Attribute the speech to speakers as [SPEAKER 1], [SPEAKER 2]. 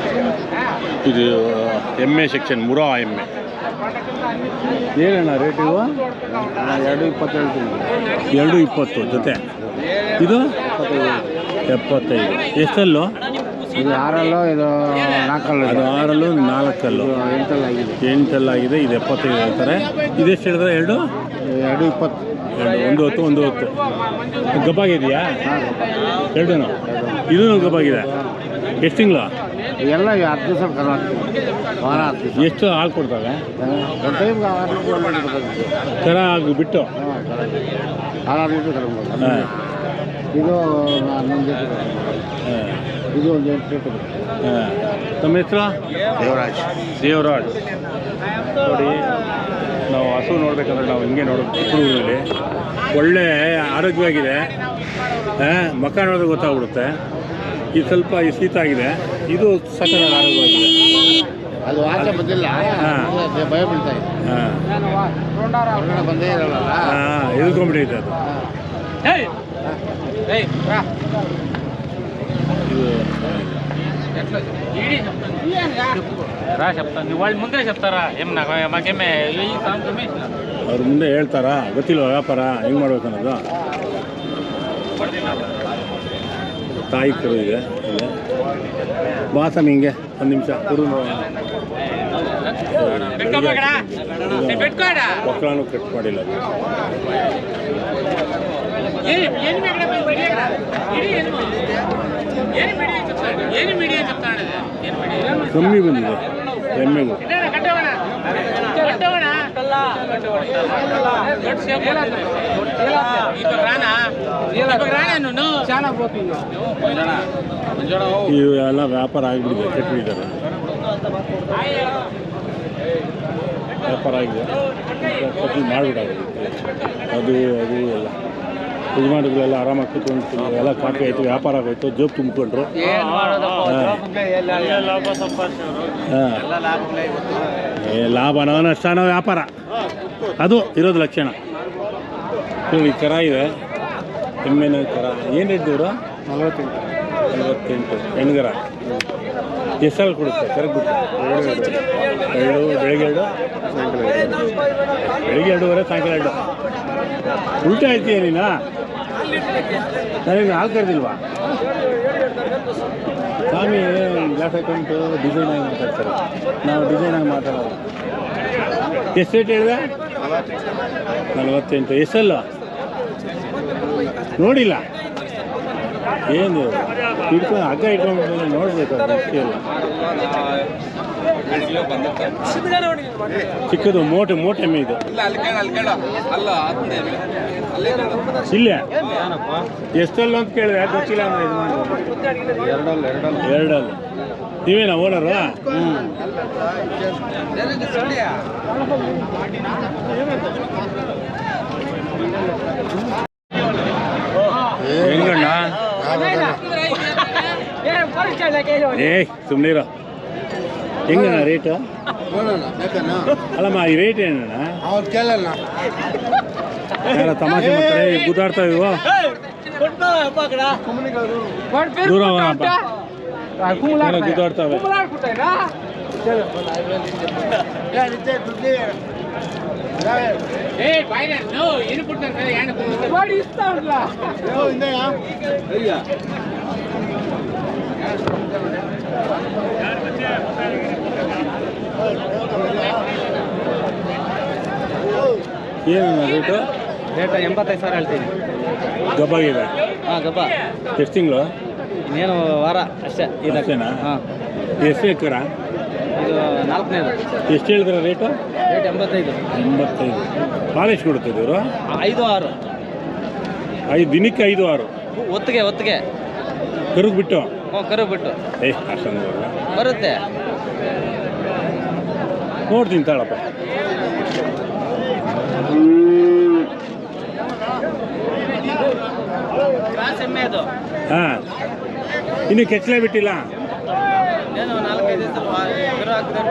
[SPEAKER 1] ಇದು ಎಮ್ಮೆ ಸೆಕ್ಷನ್ ಮುರಾ ಎಮ್ಮೆ ಏನಣ್ಣ ರೇಟ್ ಇವು? 220 ಜೊತೆ. ಇದು 75. ಎಷ್ಟಲ್ಲೋ?
[SPEAKER 2] ಇದು 6 ಇದು 4
[SPEAKER 1] ಅದು 6 4 8 ಇದು 75 ಹೇಳ್ತಾರೆ. ಇದೆಷ್ಟು ಹೇಳಿದ್ರೆ?
[SPEAKER 2] 220
[SPEAKER 1] ಒಂದು ಹೊತ್ತು ಗಬ್ಬಾಗಿದೆಯಾ? ಎರಡೂ ಇದೂ ಗಬ್ಬಾಗಿದೆ. ಎಷ್ಟು ತಿಂಗಳು?
[SPEAKER 2] ಎಲ್ಲ 10 ದಿವಸ ವಾರ 10 ದಿವಸ.
[SPEAKER 1] ಎಷ್ಟು ಹಾಲು ಕೊಡ್ತವೆ? ಕರ ಆಗಿಬಿಟ್ಟು
[SPEAKER 2] 6 ಲೀಟ್ರ್ ತಗೊಂಡು. ಇದು 11 ಲೀಟ್ರ್. ಇದು 1 ಲೀಟ್ರ್.
[SPEAKER 1] ತಮ್ಮ ಹೆಸರು? ದೇವರಾಜ್. ನೋಡಿ, ನಾವು ಹಸು ನೋಡ್ಬೇಕಂದ್ರೆ ನಾವು ಹಿಂಗೆ ನೋಡೋದು. ಚಿಕ್ಕೂರಲ್ಲಿ ಒಳ್ಳೆ ಆರೋಗ್ಯವಾಗಿದೆ. ಮಕ್ಕ ನೋಡಿದ್ರೆ ಗೊತ್ತಾಗ್ಬಿಡುತ್ತೆ. ಇದು ಸ್ವಲ್ಪ ಶೀತ ಆಗಿದೆ. ಇದು ಸಕ್ಕರೆ ಆರೋಗ್ಯವಾಗಿದೆ.
[SPEAKER 2] ಅದು ಆಚೆ ಬಂದಿಲ್ಲ, ಭಯ ಬೀಳ್ತಾ ಇದೆ. ಬಂದೇ ಇರಲ್ಲ.
[SPEAKER 1] ಎದ್ಕೊಂಡ್ಬಿಟ್ಟೈತೆ ಅದು. ಅವ್ರ ಮುಂದೆ ಹೇಳ್ತಾರಾ? ಗೊತ್ತಿಲ್ವ ವ್ಯಾಪಾರ ಹೆಂಗೆ ಮಾಡ್ಬೇಕು ಅನ್ನೋದು? ತಾಯಿ ಕರು ಇದೆ. ಬಾಸಮ್ ಹಿಂಗೆ ಒಂದು ನಿಮಿಷ ಕುರು ಮಕ್ಕಳನ್ನು ಕಟ್ ಮಾಡಿಲ್ಲ. ಕಮ್ಮಿ ಬಂದಿದೆ ಎಮ್ಮೆಗೂ. ಇವೆಲ್ಲ ವ್ಯಾಪಾರ ಆಗಿಬಿಟ್ಟಿದೆ, ಕೆಟ್ಟಿದ್ದಾರೆ. ವ್ಯಾಪಾರ ಆಗಿದೆ, ಮಾಡಿಬಿಟ್ಟಾಗಿದೆ. ಅದು ಎಲ್ಲ ಯಜಮಾನಿಗಳೆಲ್ಲ ಆರಾಮಾಗಿ ಕೂತ್ಕೊಂಡು ಎಲ್ಲ ಕಾಫಿ ಆಯಿತು, ವ್ಯಾಪಾರ ಆಗೋಯ್ತು, ಜೋಬ್ ತುಂಬಿಕೊಂಡ್ರು. ಲಾಭನೋ ನಷ್ಟನೋ ವ್ಯಾಪಾರ, ಅದು ಇರೋದು ಲಕ್ಷಣ. ಈ ಕರ ಇದೆ, ಎಮ್ಮೆನ ಕರ. ಏನು ರೇಟ್ ದೂರ? 48 ಹೆಣ್ಗರ. ಎಷ್ಟು ಕೊಡುತ್ತೆ ಕರೆಕ್ಟ್ ಬಿಟ್ಟು? 2 ಬೆಳಗ್ಗೆ 2 ಸಾಯಂಕಾಲ 2. ಬೆಳಿಗ್ಗೆ 2:30 ಸಾಯಂಕಾಲ 2. ಉಲ್ಟಾ ಆಯ್ತೀಯ ನೀನು? ನನಗೆ ಹಾಲು ಕರೆದಿಲ್ವಾ? ಸ್ವಾಮಿ ಗ್ಲಾಸ್ ಹಾಕೊಂಡು ಡಿಸೈನಾಗಿ ಮಾತಾಡ್ತಾರೆ, ನಾವು ಡಿಸೈನಾಗಿ ಮಾತಾಡೋದು. ಎಷ್ಟು ರೇಟ್ ಹೇಳಿದೆ? 48. ಎಷ್ಟಲ್ಲ ನೋಡಿಲ್ಲ? ಏನು ಇಟ್ಕೊಂಡು ಹಗ್ಗ ಇಟ್ಕೊಂಡು ನೋಡ್ಬೇಕು. ಮುಖ್ಯ ಚಿಕ್ಕದು ಮೋಟೆ ಎಮ್ಮೆ ಇದು. ಇಲ್ಲೇ ಎಷ್ಟಲ್ಲ ಅಂತ ಕೇಳಿದ್ರೆ ಗೊತ್ತಿಲ್ಲ ಅಂದ್ರೆ ಇದು ಮಾಡಿ. 2 ನೀವೇನಾ ಓನರು? ಹೆಂಗಣ್ಣ? ಸುಮ್ಮನಿರೋ. ಹೆಂಗಣ್ಣ ರೇಟು? ಅಲ್ಲಮ್ಮ, ಈ ರೇಟ್ ಏನಣ್ಣ? ಯಾರ ತಮಾಷೆ ಮಾಡ್ತಾರೆ, ಗುದ್ದಾಡ್ತಾವ ಇವು. ದೂರ ಗುದ್ದಾಡ್ತಾವೆ. ಏನಣ್ಣ ರೇಟು?
[SPEAKER 2] ರೇಟ್ 85,000 ಹೇಳ್ತೀನಿ.
[SPEAKER 1] ಗಬ್ಬಾಗಿದೆ?
[SPEAKER 2] ಹಾಂ, ಗಬ್ಬ.
[SPEAKER 1] ಎಷ್ಟು ತಿಂಗಳು?
[SPEAKER 2] ಇನ್ನೇನು ವಾರ ಅಷ್ಟೇ.
[SPEAKER 1] ಇದಷ್ಟೇನಾ?
[SPEAKER 2] ಹಾಂ.
[SPEAKER 1] ಎಷ್ಟು ಎಕರ?
[SPEAKER 2] ಇದು 4ನೇದು.
[SPEAKER 1] ಎಷ್ಟು ಹೇಳಿದ್ರೆ ರೇಟು?
[SPEAKER 2] ರೇಟ್ 85.
[SPEAKER 1] ಹಾಲು ಎಷ್ಟು ಕೊಡ್ತದೆ ಇವರು?
[SPEAKER 2] 5-6.
[SPEAKER 1] 5 ದಿನಕ್ಕೆ 5-6
[SPEAKER 2] ಒತ್ತಿಗೆ
[SPEAKER 1] ಕರುಗ್ ಬಿಟ್ಟು?
[SPEAKER 2] ಹ್ಞೂ, ಕರು ಬಿಟ್ಟು.
[SPEAKER 1] ಅಷ್ಟೊಂದು
[SPEAKER 2] ಬರುತ್ತೆ,
[SPEAKER 1] ನೋಡ್ತೀನಿ ತಾಳಪ್ಪ.
[SPEAKER 2] ಎಮ್ಮೆ ಅದು.
[SPEAKER 1] ಹಾಂ, ಇನ್ನು ಕೆಚ್ಚಲೇ ಬಿಟ್ಟಿಲ್ಲ?
[SPEAKER 2] ಏನು 4-5 ದಿವಸ ಕರು ಹಾಕಿದ್ರೆ